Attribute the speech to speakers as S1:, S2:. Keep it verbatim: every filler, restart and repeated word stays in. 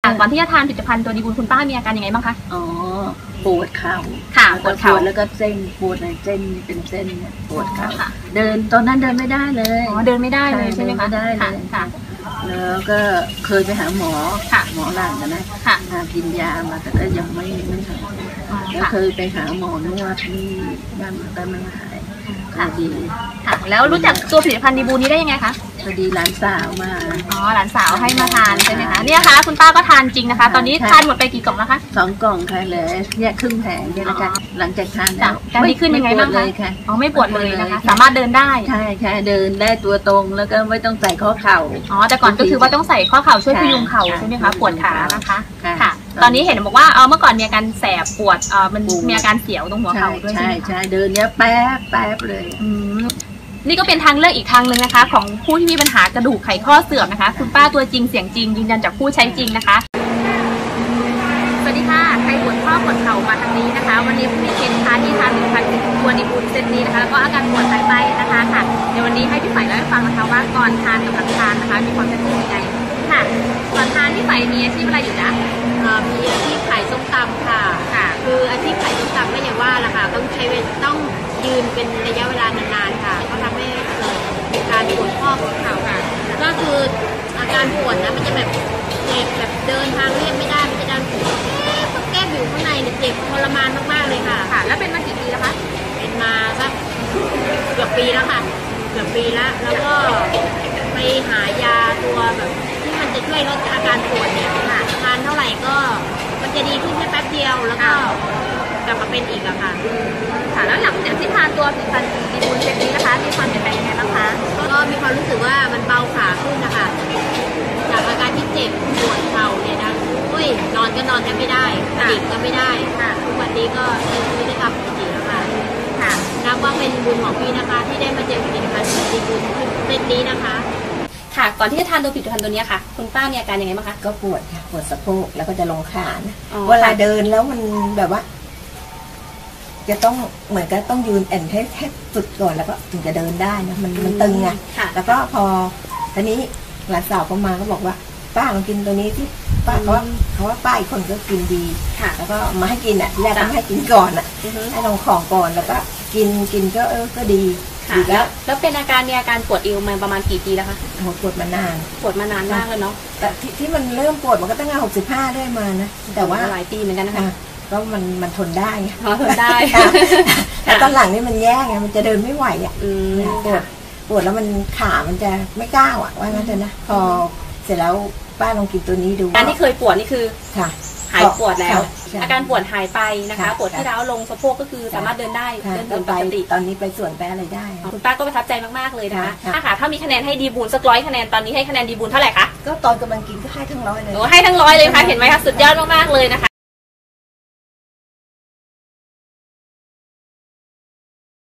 S1: ค่ะก่อนที่จะทานผลิตภัณฑ์ตัวดีบูลคุณป้ามีอาการยังไงบ้างคะ
S2: อ๋อปวดเข่า
S1: ค่ะปวดเข่า
S2: แล้วก็เส้นปวดในเส้นเป็นเส้นปวดเข่าเดินตอนนั้นเดินไม่ได้เลย
S1: อ๋อเดินไม่ได้เลยใช่ไหมคะ
S2: ได้เลยค่ะแล้วก็เคยไปหาหมอหมอหลังกันนะกินยามาแต่ก็ยังไม่ไม่หายแล้วเคยไปหาหมอนวดที่บ้านแต่ไม่หายค่ะดี
S1: ค่ะแล้วรู้จักตัวผลิตภัณฑ์ดีบูนี้ได้ยังไงคะ
S2: พอดีหลานสาวมา
S1: อ๋อหลานสาวให้มาทานใช่ไหมคะเนี่ยค่ะคุณป้าก็ทานจริงนะคะตอนนี้ทานหมดไปกี่กล่องแล้วคะ
S2: สองกล่องค่ะเลยแยกครึ่งแผงเนี่ยนะคะหลังจากทานแล้ว
S1: การดีขึ้นยังไงบ้างคะอ๋อไม่ปวดเลยนะคะสามารถเดินได้
S2: ใช่ใช่เดินได้ตัวตรงแล้วก็ไม่ต้องใส่ข้อเข่า
S1: อ๋อแต่ก่อนก็คือว่าต้องใส่ข้อเข่าช่วยพยุงเข่าใช่ไหมคะปวดขานะคะค่ะตอนนี้เห็นบอกว่าเออเมื่อก่อนมีอาการแสบปวดเออมันมีอาการเสียวตรงหัวเข่าด้วยใช่ไหม
S2: ใช่เดินเนี้ยแป๊บแป๊บเลย
S1: นี่ก็เป็นทางเลือกอีกทางหนึ่งนะคะของผู้ที่มีปัญหากระดูกไขข้อเสื่อมนะคะคุณป้าตัวจริงเสียงจริงยืนยันจากผู้ใช้จริงนะคะสวัสดีค่ะใครปวดข้อปวดเข่ามาทางนี้นะคะวันนี้มีเกณฑ์ทานที่ทานผลิตภัณฑ์ตัวดีบูลเซตนี้นะคะแล้วก็อาการปวดหายไปนะคะค่ะในวันนี้ให้พี่ฝ่ายเล่าให้ฟังนะคะว่าก่อนทานกับหลังทานนะคะมีความแตกต่างยังไงค่ะก่อนทานพี่ฝ่ายมีอาชีพอะไรอยู่นะ
S3: มีอาชีพขายส้มตำค่ะค่ะคืออาชีพขายส้มตำก็อย่างว่าแหละค่ะต้องใช้เวลาต้องยืนเป็นระยะเวลานานๆค่ะก็ทำให้เกิดการปวดข้อปวดเข่าค่ะก็คืออาการปวดนะมันจะแบบเจ็บแบบเดินทางเรียบไม่ได้มันจะดันแก้อยู่ข้างในเจ็บทรมานมากๆเลยค่ะ
S1: ค่ะแล้วเป็นมากี่ปีแล้วคะ
S3: เป็นมาสักเกือบปีแล้วค่ะเกือบปีแล้วแล้วก็ไปหายาตัวแบบที่มันจะช่วยลดอาการปวดเนี่ยค่ะทานเท่าไหร่ก็มันจะดีขึ้นแค่แป๊บเดียวแล้วก็กลับมาเป็นอีกอะค่ะ
S1: ค่ะแล้วหลังจากที่ทานตัวผลิตภัณฑ์ดีบูลเซตนี้นะคะมีความเปลี่ยนแปลงยังไงบ้างคะ
S3: ก็มีความรู้สึกว่ามันเบาขาขึ้นนะคะจากอาการที่เจ็บปวดเข่าเนี่ยนะอุ้ยนอนก็นอนแทบไม่ได้ดิบก็ไม่ได้ทุกวันนี้ก็ใช้ชีวิตได้ตามปกติแล้วค่ะค่ะนับว่าเป็นบุญของพี่นะคะที่ได้มาเจอผลิตภัณฑ์ดีบูลเซตนี้นะคะ
S1: ค่ะก่อนที่จะทานตัวผลิตภัณฑ์ตัวนี้ค่ะคุณป้ามีอาการยังไงบ้างคะ
S2: ก็ปวดค่ะปวดสะโพกแล้วก็จะลงขาเวลาเดินแล้วมันแบบว่าจะต้องเหมือนกับต้องยืนแอนให้ให้สุดก่อนแล้วก็ถึงจะเดินได้นะมันมันตึงไงแล้วก็พอทีนี้หลานสาวก็มาก็บอกว่าป้าลองกินตัวนี้ที่ป้าเขาว่าเขาว่าป้าอีกคนก็กินดีแล้วก็มาให้กินอ่ะแรกก็ให้กินก่อนอ่ะให้ลองของก่อนแล้วก็กินกินก็เออก็ดี
S1: แล้วแล้วเป็นอาการมีอาการปวดเอวมาประมาณกี่ปีแล้วคะ
S2: ปวดมานาน
S1: ปวดมานานมากเลยเนาะ
S2: แต่ที่มันเริ่มปวดมันก็ตั้งแต่หกสิบห้าได้มานะแต่ว่า
S1: หลายปีเหมือนกันนะคะ
S2: ก็มันมันทนได้
S1: ทนได้
S2: แต่ตอนหลังนี่มันแย่ไงมันจะเดินไม่ไหวอ่ะปวดปวดแล้วมันขามันจะไม่ก้าวอ่ะว่างั้นเถอะนะพอเสร็จแล้วป้าลองกินตัวนี้ดู
S1: การที่เคยปวดนี่คือ
S2: ค่ะ
S1: หายปวดแล้วอาการปวดหายไปนะคะปวดที่ร้าวลงสะโพกก็คือสามารถเดินได้เดินเดินปกติ
S2: ตอนนี้ไปสวนไปอะไรได้
S1: คุณป้าก็ประทับใจมากๆเลยนะคะถ้าค่ะถ้ามีคะแนนให้ดีบูลสักร้อยคะแนนตอนนี้ให้คะแนนดีบูลเท่าไหร่คะ
S2: ก็ตอนกำลังกินก็ให้ทั้งร้อยเลย
S1: โอ้ให้ทั้งร้อยเลยค่ะเห็นไหมคะสุดยอดมากๆเลยนะคะ